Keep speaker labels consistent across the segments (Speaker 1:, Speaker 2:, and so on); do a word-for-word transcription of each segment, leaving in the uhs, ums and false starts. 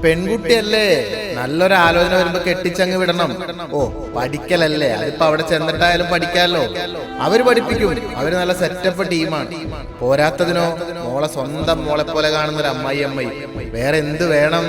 Speaker 1: പെൺകുട്ടിയല്ലേ, നല്ലൊരു ആലോചന വരുമ്പോ കെട്ടിച്ചങ്ങ് വിടണം. ഓ പഠിക്കലല്ലേ, അതിപ്പോ അവിടെ ചെന്നിട്ടായാലും പഠിക്കാലോ. അവര് പഠിപ്പിക്കും, അവര് നല്ല സെറ്റപ്പ് ടീമാണ്. പോരാത്തതിനോ മോളെ സ്വന്തം മോളെ പോലെ കാണുന്ന ഒരു അമ്മായി അമ്മായി, വേറെ എന്ത് വേണം?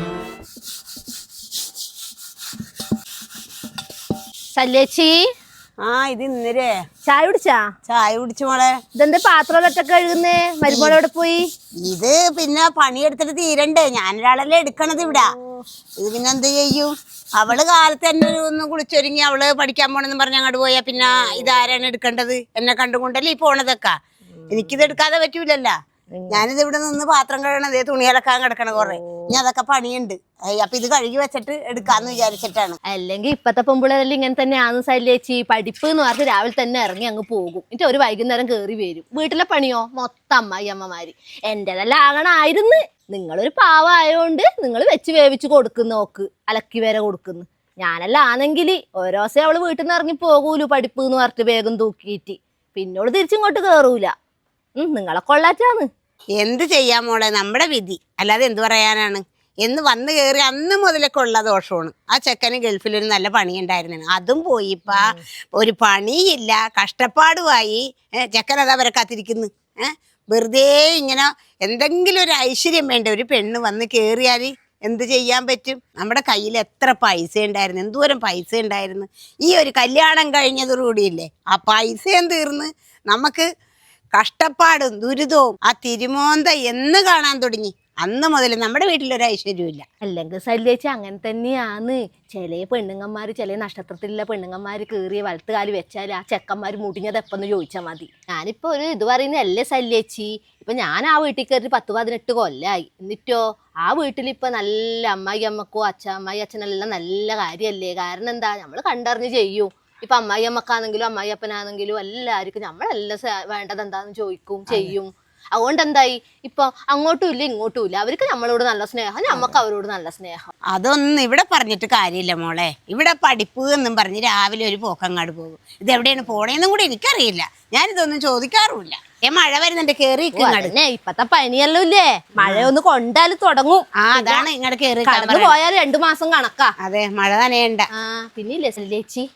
Speaker 2: സല്ലേച്ചി,
Speaker 3: ആ ഇത് ഇന്നരേ
Speaker 2: ചായ കുടിച്ചാ?
Speaker 3: ചായ കുടിച്ചു മോളെ.
Speaker 2: ഇതെന്താ പാത്രം ഒറ്റ കഴുകുന്നേ? മരുമോളോടെ പോയി?
Speaker 3: ഇത് പിന്നെ പണിയെടുത്തിട്ട് തീരണ്ടേ, ഞാനൊരാളല്ലേ എടുക്കണത് ഇവിടെ. ഇത് പിന്നെ എന്ത് ചെയ്യും? അവള് കാലത്ത് തന്നെ ഒരു ഒന്ന് കുളിച്ചൊരുങ്ങി അവള് പഠിക്കാൻ പോണെന്ന് പറഞ്ഞ് അങ്ങോട്ട് പോയാ പിന്നെ ഇതാരാണ് എടുക്കേണ്ടത്? എന്നെ കണ്ടുകൊണ്ടല്ലേ ഈ പോണതൊക്കെ. എനിക്കിത് എടുക്കാതെ പറ്റൂലല്ലോ. ഞാനിത് ഇവിടെ നിന്ന് പാത്രം കഴുകണതേ, തുണിയലക്കാൻ കിടക്കണ കൊറേ. ഇനി അതൊക്കെ പണിയുണ്ട്. അപ്പൊ ഇത് കഴുകി വെച്ചിട്ട് എടുക്കാന്ന് വിചാരിച്ചിട്ടാണ്.
Speaker 2: അല്ലെങ്കിൽ ഇപ്പത്തെ പെമ്പിള്ളേരെല്ലാം ഇങ്ങനെ തന്നെയാണ് സല്ലേച്ചി. പഠിപ്പ് എന്ന് പറഞ്ഞ് രാവിലെ തന്നെ ഇറങ്ങി അങ്ങ് പോകും, എന്നിട്ട് ഒരു വൈകുന്നേരം കയറി വരും. വീട്ടിലെ പണിയോ മൊത്തം അമ്മായി അമ്മമാര്. എന്റെതെല്ലാം ആകണായിരുന്നു. നിങ്ങളൊരു പാവമായോണ്ട് നിങ്ങൾ വെച്ച് വേവിച്ച് കൊടുക്കുന്നു, നോക്ക് അലക്കി വരെ കൊടുക്കുന്നു. ഞാനെല്ലാം ആണെങ്കിൽ ഓരോ ദിവസം അവള് വീട്ടിൽ നിന്ന് ഇറങ്ങി പോകൂലു പഠിപ്പ് എന്ന് പറഞ്ഞിട്ട് വേഗം തൂക്കിയിട്ട്. പിന്നോട് തിരിച്ചിങ്ങോട്ട് കേറൂല. ഉം നിങ്ങളെ കൊള്ളാറ്റാന്ന്.
Speaker 3: എന്ത് ചെയ്യാൻ മോളെ, നമ്മുടെ വിധി, അല്ലാതെ എന്ത് പറയാനാണ്. എന്ന് വന്ന് കയറി അന്ന് മുതലൊക്കെ ഉള്ള ദോഷമാണ്. ആ ചെക്കന് ഗൾഫിലൊരു നല്ല പണിയുണ്ടായിരുന്നു, അതും പോയി. ഇപ്പൊ ഒരു പണിയില്ല, കഷ്ടപ്പാടുമായി. ചെക്കൻ അതാ വരെ കാത്തിരിക്കുന്നു. ഏഹ് വെറുതെ ഇങ്ങനെ എന്തെങ്കിലും ഒരു ഐശ്വര്യം വേണ്ട. ഒരു പെണ്ണ് വന്ന് കയറിയാൽ എന്ത് ചെയ്യാൻ പറ്റും? നമ്മുടെ കയ്യിൽ എത്ര പൈസ ഉണ്ടായിരുന്നു, എന്തോരം പൈസ ഉണ്ടായിരുന്നു. ഈ ഒരു കല്യാണം കഴിഞ്ഞതോടുകൂടിയില്ലേ ആ പൈസയും തീർന്ന് നമുക്ക് കഷ്ടപ്പാടും ദുരിതവും ആ തിരുമോന്ത എന്ന് കാണാൻ തുടങ്ങി. അന്ന് മുതൽ നമ്മുടെ വീട്ടിലൊരു ഐശ്വര്യമില്ല.
Speaker 2: അല്ലെങ്കിൽ സല്ലേച്ചി അങ്ങനെ തന്നെയാന്ന്. ചില പെണ്ണുങ്ങന്മാര്, ചില നക്ഷത്രത്തിലുള്ള പെണ്ണുങ്ങന്മാര് കയറിയ വലത്തുകാല് വെച്ചാൽ ആ ചെക്കന്മാര് മുടിഞ്ഞത് എപ്പെന്ന് ചോദിച്ചാൽ മതി. ഞാനിപ്പോ ഒരു ഇത് പറയുന്നത് അല്ലേ സല്ലേച്ചി. ഇപ്പൊ ഞാൻ ആ വീട്ടിൽ കയറി പത്ത് പതിനെട്ട് കൊല്ലായി. എന്നിട്ടോ ആ വീട്ടിലിപ്പൊ നല്ല അമ്മായി അമ്മക്കോ അച്ഛ അമ്മായി അച്ഛനെല്ലാം നല്ല കാര്യമല്ലേ. കാരണം എന്താ, നമ്മൾ കണ്ടറിഞ്ഞ് ചെയ്യും. ഇപ്പൊ അമ്മായി അമ്മക്കാണെങ്കിലും അമ്മായി അപ്പനാണെങ്കിലും എല്ലാവർക്കും നമ്മളെല്ലാം വേണ്ടത് എന്താന്ന് ചോദിക്കും, ചെയ്യും. അതുകൊണ്ട് എന്തായി, ഇപ്പൊ അങ്ങോട്ടും ഇല്ല ഇങ്ങോട്ടും ഇല്ല. അവർക്ക് നമ്മളോട് നല്ല സ്നേഹം, നമുക്ക് അവരോട് നല്ല സ്നേഹം.
Speaker 3: അതൊന്നും ഇവിടെ പറഞ്ഞിട്ട് കാര്യമില്ല മോളെ. ഇവിടെ പഠിപ്പ് എന്നും പറഞ്ഞ് രാവിലെ ഒരു പോക്കങ്ങാട് പോകും. ഇത് എവിടെയാണ് പോണേന്നും കൂടി എനിക്കറിയില്ല. ഞാനിതൊന്നും ചോദിക്കാറുമില്ല. ഏ മഴ വരുന്നുണ്ട്, കേറി
Speaker 2: ഇപ്പത്തെ പനിയല്ലോ ഇല്ലേ, മഴയൊന്ന് കൊണ്ടാലും തുടങ്ങും.
Speaker 3: ആ അതാണ് ഇങ്ങോട്ട് കേറി
Speaker 2: കടന്നു പോയാൽ രണ്ടു മാസം കണക്കാ.
Speaker 3: അതെ, മഴ നനയണ്ട.
Speaker 2: ആ പിന്നെ ഇല്ലേ സല്ലേച്ചി,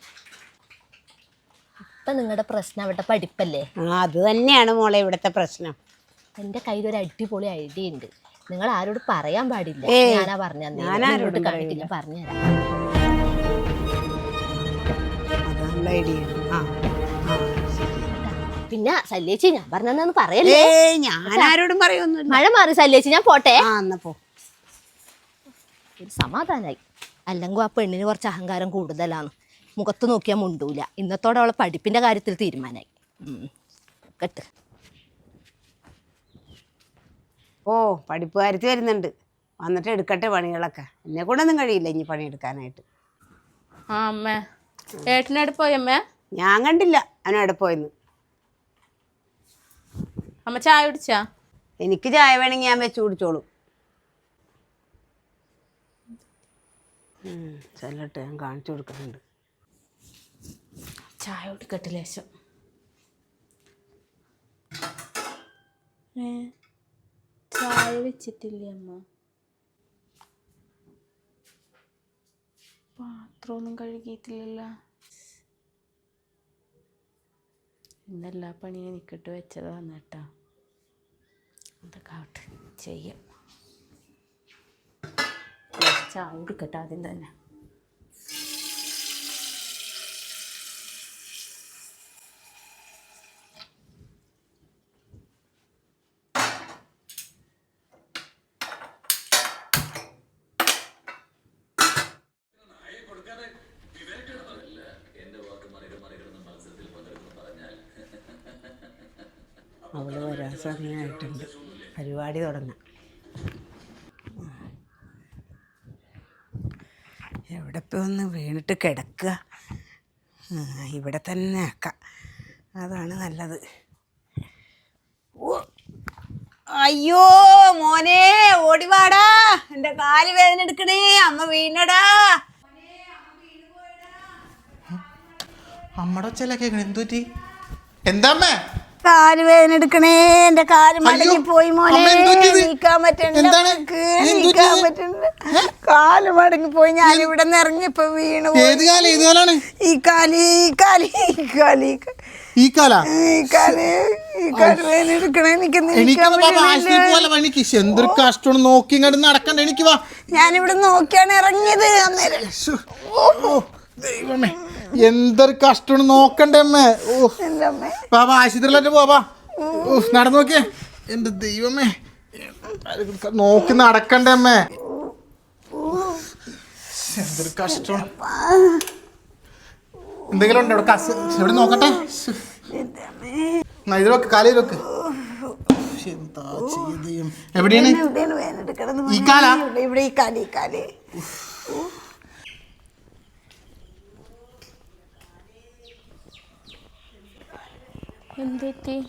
Speaker 2: ഇപ്പൊ നിങ്ങളുടെ പ്രശ്നം അവിടെ പഠിപ്പല്ലേ?
Speaker 3: ആ അത് തന്നെയാണ് മോളെ ഇവിടുത്തെ പ്രശ്നം.
Speaker 2: എന്റെ കയ്യിൽ ഒരു അടിപൊളി ഐഡിയ ഉണ്ട്. നിങ്ങൾ ആരോട് പറയാൻ പാടില്ല. ഞാനാ പറഞ്ഞു
Speaker 3: ഞാനാരോട്
Speaker 2: കണ്ടിട്ട് ഞാൻ പറഞ്ഞുതരാം. പിന്നെ സല്ലേച്ചി ഞാൻ പറഞ്ഞെന്നു പറയല്ലേ.
Speaker 3: ഞാൻ ആരോടും പറയൊന്നുമില്ല.
Speaker 2: മഴ മാറി സല്ലേച്ചി, ഞാൻ പോട്ടെ. ഒരു സമാധാനായി. അല്ലെങ്കിൽ ആ പെണ്ണിന് കുറച്ച് അഹങ്കാരം കൂടുതലാണ്. മുഖത്ത് നോക്കിയാൽ മുണ്ടൂല. ഇന്നത്തോടെ അവളെ പഠിപ്പിന്റെ കാര്യത്തിൽ തീരുമാനമായി. കേട്ട്
Speaker 3: ഓ പഠിപ്പ് കാര്യത്തിൽ വരുന്നുണ്ട്. വന്നിട്ട് എടുക്കട്ടെ പണികളൊക്കെ. എന്നെ കൂടെ ഒന്നും കഴിയില്ല ഇനി പണിയെടുക്കാനായിട്ട്.
Speaker 4: ആ അമ്മേ, ഏട്ടനെവിടെ പോയമ്മേ?
Speaker 3: ഞാൻ കണ്ടില്ല അവനെവിടെ പോയെന്ന്.
Speaker 4: അമ്മ ചായ കുടിച്ചാ?
Speaker 3: എനിക്ക് ചായ വേണമെങ്കിൽ ഞാൻ വെച്ച് കുടിച്ചോളൂ. ചെല്ലട്ടെ, ഞാൻ കാണിച്ചു കൊടുക്കുന്നുണ്ട്.
Speaker 4: ചായ കുടിക്കട്ടെ ലേശം. ഏ ചായ വെച്ചിട്ടില്ലേ അമ്മ? പാത്രമൊന്നും കഴുകിയിട്ടില്ലല്ലോ. ഇന്നെല്ലാ പണിയും എനിക്കിട്ട് വെച്ചതാണ് കേട്ടോ. അതൊക്കെ ആവട്ടെ, ചെയ്യാം. ചായ കുടിക്കട്ടെ ആദ്യം തന്നെ.
Speaker 3: അവള് വരാൻ സമയമായിട്ടുണ്ട്, പരിപാടി തുടങ്ങാം. എവിടെ ഇപ്പോൾ ഒന്ന് വീണിട്ട് കിടക്കുക, ഇവിടെ തന്നെ ആക്കാം, അതാണ് നല്ലത്. ഓ അയ്യോ മോനെ, ഓടിവാടാ, എൻ്റെ കാല് വേദന എടുക്കണേ, അമ്മ വീണടാ.
Speaker 1: അമ്മടെ ഒച്ചല്ല കേൾക്കണ, എന്തുപറ്റി? എന്താമ്മേ?
Speaker 3: കാല് വേദന എടുക്കണേ, എന്റെ കാല് മടങ്ങി പോയി മോനെ, നീക്കാൻ പറ്റണില്ല, നീക്കാൻ പറ്റണില്ല, കാല് മടങ്ങി പോയി. ഞാൻ ഇവിടെ നിന്ന് ഇറങ്ങിയപ്പോ വീണു. ഈ കാല് ഈ കാല് ഈ കാല്
Speaker 1: ഈ കാല
Speaker 3: ഈ കാല് ഈ കാല് വേദന എടുക്കണേ, എനിക്ക്
Speaker 1: എന്തൊരു കഷ്ടമാണ്. നോക്കി ഇങ്ങോട്ട് നടക്കണ്ട. എനിക്ക് വാ,
Speaker 3: ഞാനിവിടെ നോക്കിയാണ് ഇറങ്ങിയത്. അന്നേരം
Speaker 1: ദൈവമേ എന്തൊരു കഷ്ടമാണ്. നോക്കണ്ടേ അമ്മേ. ഓ ബാബാ ആശുപത്രിയിലോട്ട് പോവാ. നടന്നു നോക്കിയേ. എന്റെ ദൈവമേ നോക്കി നടക്കണ്ടേ അമ്മേ. എന്തൊരു കഷ്ടമാണ്. എന്തെങ്കിലും ഉണ്ടോ കസ്? എവിടെ നോക്കട്ടെ. ഇത് വെക്ക്, കാലയിൽ വെക്ക്. എന്താ ചെയ്യും? എവിടെയാണ് ഈ കാല?
Speaker 3: ഇവിടെ ഈ കാല് ഈ കാല്
Speaker 4: എന്തെറ്റി?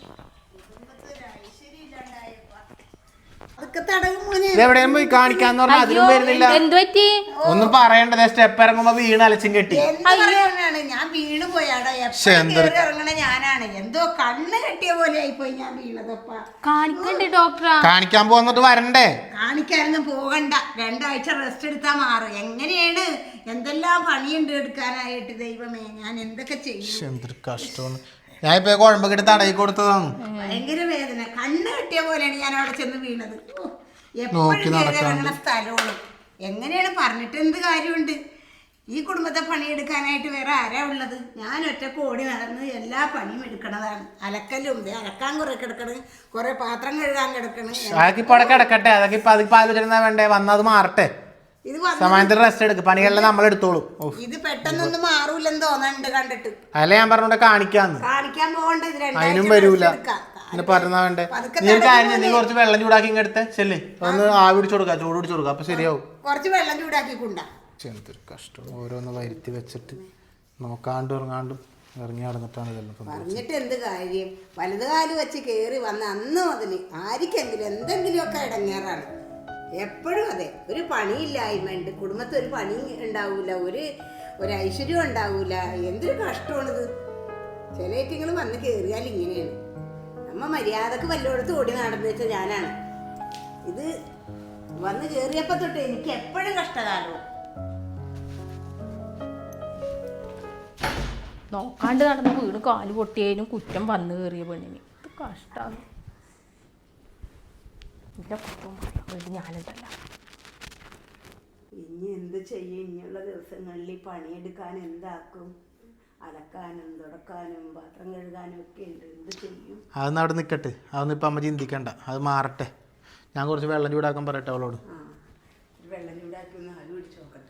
Speaker 1: എവിടെയും പോയി കാണിക്കാന്ന് പറഞ്ഞാൽ അതിനും വരുന്നില്ല.
Speaker 4: എന്തുപറ്റി?
Speaker 1: ഒന്നും പറയണ്ടത്. സ്റ്റെപ്പ് ഇറങ്ങുമ്പോ വീണ് അലച്ചും കെട്ടി.
Speaker 3: ഞാൻ വീണ് പോയാടോ. ഇറങ്ങണ ഞാനാണ്. എന്തോ കണ്ണ് കെട്ടിയ പോലെ ആയിപ്പോയി ഞാൻ വീണതപ്പ.
Speaker 4: കാണിക്കണ്ടേ ഡോക്ടറാ?
Speaker 1: കാണിക്കാൻ പോന്നിട്ട് വരണ്ടേ?
Speaker 3: കാണിക്കാനൊന്നും പോകണ്ട. രണ്ടാഴ്ച റെസ്റ്റ് എടുത്താൽ മാറും. എങ്ങനെയാണ്? എന്തെല്ലാം പണിയുണ്ട് എടുക്കാനായിട്ട്. ദൈവമേ ഞാൻ എന്തൊക്കെ ചെയ്യും.
Speaker 1: എന്തൊരു കഷ്ടമാണ്. ഞാൻ ഇപ്പൊ കുഴമ്പൊക്കെ എടുത്ത് തടയി കൊടുത്തതാണ്.
Speaker 3: ഭയങ്കര വേദന. കണ്ണ് കെട്ടിയ പോലെയാണ് ഞാൻ അവിടെ ചെന്ന് വീണത്. എപ്പോഴും ഇറങ്ങണ സ്ഥലമാണ്. എങ്ങനെയാണ്? പറഞ്ഞിട്ട് എന്ത് കാര്യമുണ്ട്? ഈ കുടുംബത്തെ പണിയെടുക്കാനായിട്ട് വേറെ ആരാ ഉള്ളത്? ഞാൻ ഒറ്റക്ക് ഓടി നടന്ന് എല്ലാ പണിയും എടുക്കണതാണ്. അലക്കലും അലക്കാൻ കുറെ കിടക്കണ്, കുറെ പാത്രം കഴുകാൻ കിടക്കണ്.
Speaker 1: അതൊക്കെ ഇപ്പൊ അവിടെ കിടക്കട്ടെ. അതൊക്കെ ഇപ്പൊ അതിപ്പോ ആലോചന വേണ്ടേ? വന്നത് മാറട്ടെ.
Speaker 3: ഇത്
Speaker 1: സമയത്തിന് റെസ്റ്റ് എടുക്കും. പണികളെല്ലാം നമ്മൾ എടുത്തോളൂ.
Speaker 3: ഇത് പെട്ടെന്നൊന്നും മാറൂലെന്ന് തോന്നുന്നുണ്ട് കണ്ടിട്ട്.
Speaker 1: അല്ല ഞാൻ പറഞ്ഞോണ്ട് കാണിക്കാന്ന്.
Speaker 3: കാണിക്കാൻ പോകണ്ട.
Speaker 1: അതിനും വരൂല. പിന്നെ പറഞ്ഞാ വേണ്ടേ? നീ ഒരു കാര്യം, നീ കുറച്ച് വെള്ളം ചൂടാക്കി ഇങ്ങെടുത്ത് ചെല്ലേ. ഒന്ന് ആവി പിടിച്ചു കൊടുക്കാം, ചൂട് പിടിച്ചു കൊടുക്കാം. അപ്പൊ ശരിയാവും.
Speaker 3: കുറച്ച് വെള്ളം ചൂടാക്കിക്കൊണ്ടാ.
Speaker 1: എന്തൊരു കഷ്ടം. ഓരോന്ന് വരുത്തി വെച്ചിട്ട് നോക്കാണ്ടും ഇറങ്ങാണ്ടും ഇറങ്ങി നടന്നിട്ടാണ് ഇതെല്ലാം
Speaker 3: പറഞ്ഞിട്ട് എന്ത് കാര്യം? വലത് കാല് വെച്ച് കയറി വന്ന അന്ന് മുതൽ ആർക്കെങ്കിലും എന്തെങ്കിലുമൊക്കെ ഇടങ്ങേറാണ്. എപ്പോഴും അതെ. ഒരു പണിയില്ലായ്മയുണ്ട് കുടുംബത്തിൽ. ഒരു പണി ഉണ്ടാവൂല, ഒരു ഒരു ഐശ്വര്യം ഉണ്ടാവൂല. എന്തൊരു കഷ്ടമാണിത്. ചില ഏറ്റങ്ങൾ വന്ന് കയറിയാൽ ഇങ്ങനെയാണ്. നമ്മ മര്യാദക്ക് വല്ലോടത്ത് ഓടി നടന്നു വെച്ചാൽ ഞാനാണ്. ഇത് വന്ന് കയറിയപ്പോ തൊട്ട് എനിക്ക് എപ്പോഴും കഷ്ടകാലവും.
Speaker 4: നോക്കാണ്ട് നടന്ന് വീട് കാല് പൊട്ടിയതിനും കുറ്റം വന്നു കയറിയ പെണ്ണിന്. ഇത് കഷ്ടമാണ്. എൻ്റെ കുറ്റം വേണ്ടി ഞാനുണ്ടല്ല.
Speaker 3: ഇനി എന്ത് ചെയ്യും? ഇനിയുള്ള ദിവസങ്ങളിൽ പണിയെടുക്കാൻ എന്താക്കും? അലക്കാനും തുടക്കാനും പാത്രം കഴുകാനും ഒക്കെ ഉണ്ട്. എന്ത് ചെയ്യും?
Speaker 1: അതൊന്നും അവിടെ നിൽക്കട്ടെ. അതൊന്നും ഇപ്പം അമ്മ ചിന്തിക്കണ്ട. അത് മാറട്ടെ. ഞാൻ കുറച്ച് വെള്ളം ചൂടാക്കാൻ പറയട്ടെ അവളോട്.
Speaker 3: ആ വെള്ളം ചൂടാക്കി ഒന്ന് ആവി പിടിച്ച് നോക്കട്ടെ.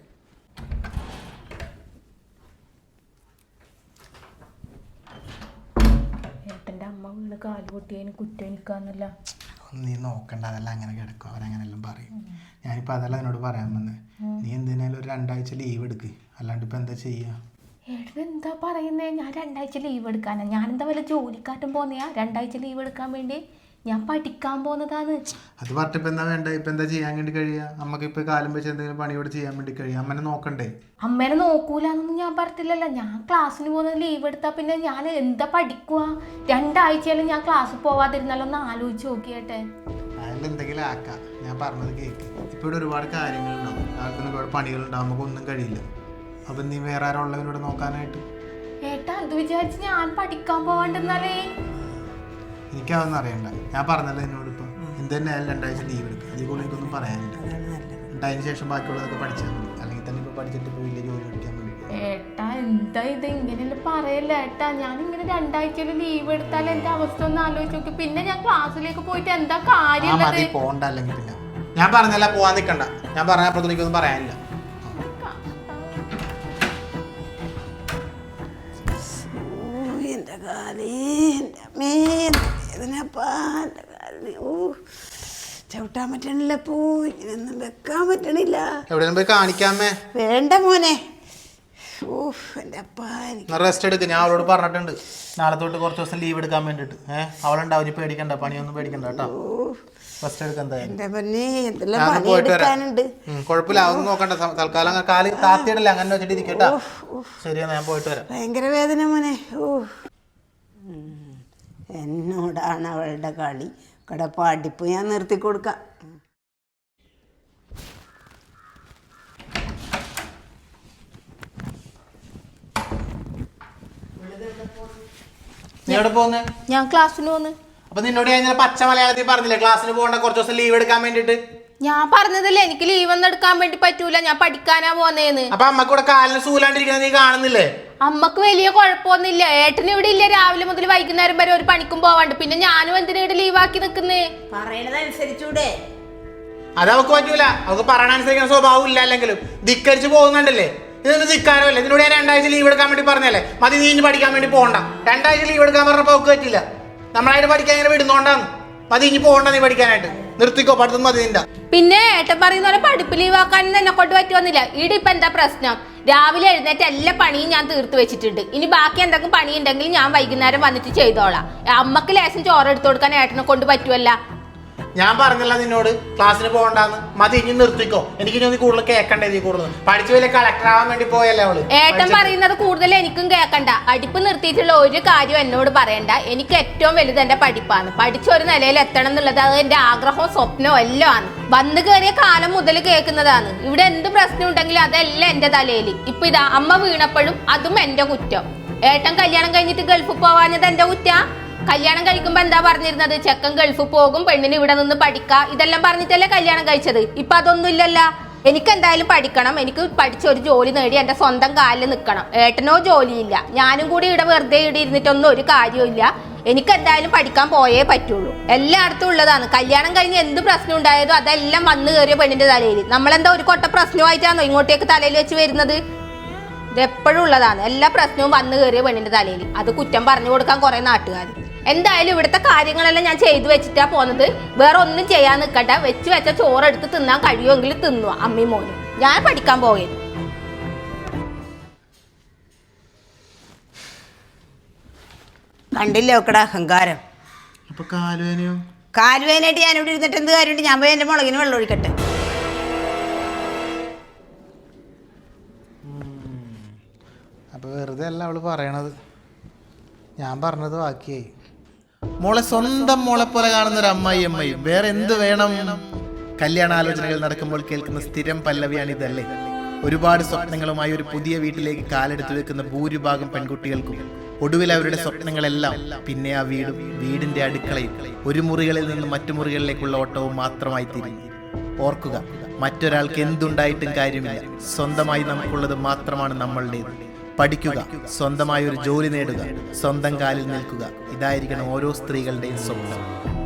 Speaker 4: ഏട്ടൻ്റെ അമ്മ വീണ് കാല് പൊട്ടിയതിന് കുറ്റം എനിക്കാന്നല്ല.
Speaker 1: നീ നോക്കണ്ട. അതെല്ലാം അങ്ങനെ കിടക്കും. അവരങ്ങനെല്ലാം പറയും. ഞാനിപ്പോൾ അതല്ല എന്നോട് പറയാൻ വന്നത്. നീ എന്തിനാലും ഒരു രണ്ടാഴ്ച ലീവ് എടുക്ക്. അല്ലാണ്ട് ഇപ്പം എന്താ ചെയ്യുക?
Speaker 4: ഏട്ടൻ എന്താ പറയുന്നേ? ഞാൻ രണ്ടാഴ്ച ലീവ് എടുക്കാനാ? ഞാനെന്താ വല്ല ജോലിക്കാറ്റും പോന്നെയാ രണ്ടാഴ്ച ലീവ് എടുക്കാൻ വേണ്ടി? ഞാൻ പഠിക്കാൻ പോകുന്നതാണ്.
Speaker 1: അത് പറഞ്ഞിട്ട് ഇപ്പം എന്താ വേണ്ട? ഇപ്പം എന്താ ചെയ്യാൻ വേണ്ടി കഴിയുക? നമുക്ക് ഇപ്പം കാലം വെച്ച് എന്തെങ്കിലും പണിയോട് ചെയ്യാൻ വേണ്ടി കഴിയുക? അമ്മനെ നോക്കണ്ടേ?
Speaker 4: അമ്മേനെ നോക്കൂലെന്നൊന്നും ഞാൻ പറഞ്ഞില്ലല്ലോ. ഞാൻ ക്ലാസ്സിന് പോകുന്നത് ലീവ് എടുത്താൽ പിന്നെ ഞാൻ എന്താ പഠിക്കുക? രണ്ടാഴ്ചയാലും ഞാൻ ക്ലാസ്സിൽ പോവാതിരുന്നാലോ ഒന്ന് ആലോചിച്ച് നോക്കിയേട്ടെ.
Speaker 1: അതിൽ എന്തെങ്കിലും ആക്കാം. ഞാൻ പറഞ്ഞത് കേൾക്ക്. ഇപ്പം ഇവിടെ ഒരുപാട് കാര്യങ്ങളുണ്ടാവും. ആർക്കൊന്നും ഒരുപാട് പണികളുണ്ടാവും. നമുക്കൊന്നും കഴിയില്ല. അപ്പം നീ വേറെ ആരോ ഉള്ളവരോട് നോക്കാനായിട്ട്.
Speaker 4: ഏട്ടാ അത് വിചാരിച്ച് ഞാൻ പഠിക്കാൻ പോവാണ്ടെന്നാലേ?
Speaker 1: എനിക്കതൊന്നും അറിയണ്ട. ഞാൻ പറഞ്ഞല്ലോ എന്നോട് ഇപ്പം എന്ത് തന്നെ ആയാലും രണ്ടാഴ്ച ലീവ് എടുക്കുക. അതിൽ കൂടുതൽ എനിക്കൊന്നും പറയാനില്ല. എന്നിട്ട് അതിന് ശേഷം ബാക്കിയുള്ളതൊക്കെ പഠിച്ചാൽ മതി. അല്ലെങ്കിൽ തന്നെ ഇപ്പോൾ പഠിച്ചിട്ട് ഇപ്പോൾ വലിയ ജോലി പഠിക്കാൻ വേണ്ടി.
Speaker 4: ഏട്ടാ എന്താ ഇത് ഇങ്ങനെയല്ല പറയല്ല ഏട്ടാ. ഞാനിങ്ങനെ രണ്ടാഴ്ചയിൽ ലീവ് എടുത്താൽ എൻ്റെ അവസ്ഥ ഒന്ന് ആലോചിച്ച് നോക്കി. പിന്നെ ഞാൻ ക്ലാസ്സിലേക്ക് പോയിട്ട് എന്താ കാര്യം?
Speaker 1: മതി പോണ്ട. അല്ലെങ്കിൽ പിന്നെ ഞാൻ പറഞ്ഞല്ല പോവാൻ നിൽക്കണ്ട. ഞാൻ പറഞ്ഞപ്പോൾ എനിക്കൊന്നും പറയാനില്ല.
Speaker 3: എൻ്റെ കാലേ എൻ്റെ അമ്മേ വേദനപ്പാ. എൻ്റെ കാലിന് ഓ ചവിട്ടാൻ പറ്റണില്ല. പോ ഇങ്ങനെയൊന്നും വെക്കാൻ പറ്റണില്ല.
Speaker 1: എവിടെയും പോയി കാണിക്കാമേ?
Speaker 3: വേണ്ട മോനെ. ഓ എൻ്റെ അപ്പാ എനിക്ക്
Speaker 1: റെസ്റ്റ് എടുക്കുക. ഞാൻ അവളോട് പറഞ്ഞിട്ടുണ്ട് നാളെ തൊട്ട് കുറച്ച് ദിവസം ലീവ് എടുക്കാൻ വേണ്ടിയിട്ട്. ഏഹ് അവളുണ്ടാവും. ഇനി പേടിക്കണ്ട. പണിയൊന്നും പേടിക്കണ്ട കേട്ടോ. റെസ്റ്റ് എടുക്കാൻ കുഴപ്പമില്ല. അതൊന്നും നോക്കണ്ട. തൽക്കാലം കാല് താത്തിയിടല്ലേ അങ്ങനെ വെച്ചിട്ട് ഇരിക്കട്ടാ. ശരിയാ ഞാൻ പോയിട്ട് വരാം.
Speaker 3: ഭയങ്കര വേദന മോനെ. ഓ എന്നോടാണ് അവളുടെ കളി. കട പഠിപ്പ് ഞാൻ നിർത്തി കൊടുക്കാം.
Speaker 1: നീ എവിടെ പോകുന്നേ?
Speaker 4: ഞാൻ ക്ലാസ്സിന് പോന്ന്.
Speaker 1: അപ്പൊ നിന്നോട് ഞാൻ ഇന്നലെ പച്ച മലയാളത്തിൽ പറഞ്ഞില്ലേ ക്ലാസ്സിന് പോകണ്ട, കുറച്ച് ദിവസം ലീവ് എടുക്കാൻ വേണ്ടിട്ട്.
Speaker 4: ഞാൻ പറഞ്ഞതല്ലേ എനിക്ക് ലീവ് ഒന്നും എടുക്കാൻ വേണ്ടി പറ്റൂല, ഞാൻ പഠിക്കാനാ പോന്നേന്ന്.
Speaker 1: അപ്പൊ അമ്മക്ക് ഇവിടെ കാലിന് സൂലാണ്ടിരിക്കുന്നത് നീ കാണുന്നില്ലേ?
Speaker 4: അമ്മക്ക് വലിയ കുഴപ്പമൊന്നുമില്ല. ഏട്ടന് ഇവിടെ ഇല്ല, രാവിലെ മുതൽ വൈകുന്നേരം വരെ ഒരു പണിക്കും പോവാണ്ട്. പിന്നെ ഞാനും എന്തിനാ ഇവിടെ ലീവാക്കി നിക്കുന്നേ?
Speaker 3: പറയണതനുസരിച്ചൂടെ?
Speaker 1: അത് അവക്ക് പറ്റൂല. അവക്ക് പറയണനുസരിക്കുന്ന സ്വഭാവം ഇല്ല. അല്ലെങ്കിലും ധിക്കരിച്ച് പോകുന്നുണ്ടല്ലേ? ഇതൊന്നും ധിക്കാരമല്ലേ? ഇതിനോട് ഞാൻ രണ്ടാഴ്ച ലീവ് എടുക്കാൻ വേണ്ടി പറഞ്ഞല്ലേ? മതി, നീ ഇനി പഠിക്കാൻ വേണ്ടി പോകണ്ട. രണ്ടാഴ്ച ലീവ് എടുക്കാൻ പറഞ്ഞപ്പോ അവക്ക് പറ്റില്ല. നമ്മളായിട്ട് പഠിക്കാൻ ഇങ്ങനെ വിടുന്നോണ്ടാണ്. മതി, ഇനി പോകണ്ട നീ പഠിക്കാനായിട്ട്. നിർത്തിക്കോ, പഠിത്തം മതി നിന്റെ.
Speaker 4: പിന്നെ ഏട്ടൻ പറയുന്ന പോലെ പഠിപ്പ് ലീവാക്കാനും എന്നെ കൊണ്ട് പറ്റുമെന്നില്ല. ഇവിടെ ഇപ്പൊ എന്താ പ്രശ്നം? രാവിലെ എഴുന്നേറ്റ് എല്ലാ പണിയും ഞാൻ തീർത്ത് വെച്ചിട്ടുണ്ട്. ഇനി ബാക്കി എന്തെങ്കിലും പണി ഉണ്ടെങ്കിൽ ഞാൻ വൈകുന്നേരം വന്നിട്ട് ചെയ്തോളാം. അമ്മക്ക് ലേശം ചോറ് എടുത്തു കൊടുക്കാൻ ഏട്ടനെ കൊണ്ട് പറ്റുമല്ല.
Speaker 1: ഞാൻ പറഞ്ഞല്ല നിന്നോട് ക്ലാസ്സിന് പോകണ്ടെന്ന്. മതി, ഇനി നിർത്തിക്കോ. എനിക്ക് ഇനി കൂടുതൽ കേൾക്കണ്ടേ? നീ കൂടുതൽ പഠിച്ചു വലിയ കളക്ടർ ആവാൻ വേണ്ടി പോയല്ലേ അവള്.
Speaker 4: ഏട്ടൻ പറയുന്നത് കൂടുതൽ എനിക്കും കേൾക്കണ്ട. പഠിപ്പ് നിർത്തിയിട്ടുള്ള ഒരു കാര്യം എന്നോട് പറയണ്ട. എനിക്ക് ഏറ്റവും വലുത് എന്റെ പഠിപ്പാണ്. പഠിച്ചൊരു നിലയിൽ എത്തണം എന്നുള്ളത് അത് എന്റെ ആഗ്രഹവും സ്വപ്നവും എല്ലാം ആണ്. വന്നു കയറിയ കാലം മുതൽ കേൾക്കുന്നതാണ്. ഇവിടെ എന്ത് പ്രശ്നം ഉണ്ടെങ്കിലും അതെല്ലാം എന്റെ തലയിൽ. ഇപ്പൊ ഇതാ അമ്മ വീണപ്പോഴും അതും എന്റെ കുറ്റം. ഏട്ടൻ കല്യാണം കഴിഞ്ഞിട്ട് ഗൾഫിൽ പോവാഞ്ഞത് എന്റെ കുറ്റാ. കല്യാണം കഴിക്കുമ്പോ എന്താ പറഞ്ഞിരുന്നത്? ചെക്കൻ ഗൾഫിൽ പോകും, പെണ്ണിന് ഇവിടെ നിന്ന് പഠിക്ക, ഇതെല്ലാം പറഞ്ഞിട്ടല്ലേ കല്യാണം കഴിച്ചത്. ഇപ്പൊ അതൊന്നും ഇല്ലല്ല. എനിക്ക് എന്തായാലും പഠിക്കണം. എനിക്ക് പഠിച്ചൊരു ജോലി നേടി എന്റെ സ്വന്തം കാലിൽ നിൽക്കണം. ഏട്ടനോ ജോലിയില്ല, ഞാനും കൂടി ഇവിടെ വെറുതെ ഇവിടെ ഇരുന്നിട്ടൊന്നും ഒരു കാര്യമില്ല. എനിക്ക് എന്തായാലും പഠിക്കാൻ പോയേ പറ്റുള്ളൂ. എല്ലായിടത്തും ഉള്ളതാണ്. കല്യാണം കഴിഞ്ഞ് എന്ത് പ്രശ്നം ഉണ്ടായതോ അതെല്ലാം വന്നു കയറിയ പെണ്ണിന്റെ തലയിൽ. നമ്മളെന്താ ഒരു കൊട്ട പ്രശ്നമായിട്ടാണോ ഇങ്ങോട്ടേക്ക് തലയിൽ വെച്ച് വരുന്നത്? ഇതെപ്പോഴും ഉള്ളതാണ്. എല്ലാ പ്രശ്നവും വന്നു കയറിയ പെണ്ണിന്റെ തലയിൽ. അത് കുറ്റം പറഞ്ഞു കൊടുക്കാൻ കുറെ നാട്ടുകാർ. എന്തായാലും ഇവിടുത്തെ കാര്യങ്ങളെല്ലാം ഞാൻ ചെയ്തു വെച്ചിട്ടാ പോന്നത്. വേറെ ഒന്നും ചെയ്യാൻ നിൽക്കട്ടെ. വെച്ച് വെച്ച ചോറെടുത്ത് തിന്നാൻ കഴിയുമെങ്കിൽ തിന്നുക അമ്മയും മോനും. ഞാൻ പഠിക്കാൻ പോയത്.
Speaker 3: കണ്ടില്ലേ ഒക്കടെ അഹങ്കാരം.
Speaker 1: അപ്പൊ കാലുവേനയോ?
Speaker 3: കാലുവേനായിട്ട് ഞാൻ ഇവിടെ ഇരുന്നിട്ട് എന്ത് കാര്യമുണ്ട്? ഞാൻ പോയി എന്റെ മുളകിന് വെള്ളം ഒഴിക്കട്ടെ.
Speaker 1: അപ്പൊ വെറുതെ അല്ല അവള് പറയണത്. ഞാൻ പറഞ്ഞത് ബാക്കിയായി. മോളെ സ്വന്തം മോളെ പോലെ കാണുന്ന ഒരു അമ്മായി അമ്മയും വേറെ എന്ത് വേണം? കല്യാണാലോചനകൾ നടക്കുമ്പോൾ കേൾക്കുന്ന സ്ഥിരം പല്ലവിയാണ് ഇതല്ലേ? ഒരുപാട് സ്വപ്നങ്ങളുമായി ഒരു പുതിയ വീട്ടിലേക്ക് കാലെടുത്തു വെക്കുന്ന ഭൂരിഭാഗം പെൺകുട്ടികൾക്കും ഒടുവിൽ അവരുടെ സ്വപ്നങ്ങളെല്ലാം പിന്നെ ആ വീടും വീടിന്റെ അടുക്കളയും ഒരു മുറികളിൽ നിന്ന് മറ്റു മുറികളിലേക്കുള്ള ഓട്ടവും മാത്രമായി തീരുന്നു. ഓർക്കുക, മറ്റൊരാൾക്ക് എന്തുണ്ടായിട്ടും കാര്യമില്ല. സ്വന്തമായി നമുക്കുള്ളത് മാത്രമാണ് നമ്മളുടേത്. പഠിക്കുക, സ്വന്തമായ ഒരു ജോലി നേടുക, സ്വന്തം കാലിൽ നിൽക്കുക. ഇതായിരിക്കണം ഓരോ സ്ത്രീകളുടെയും സ്വപ്നം.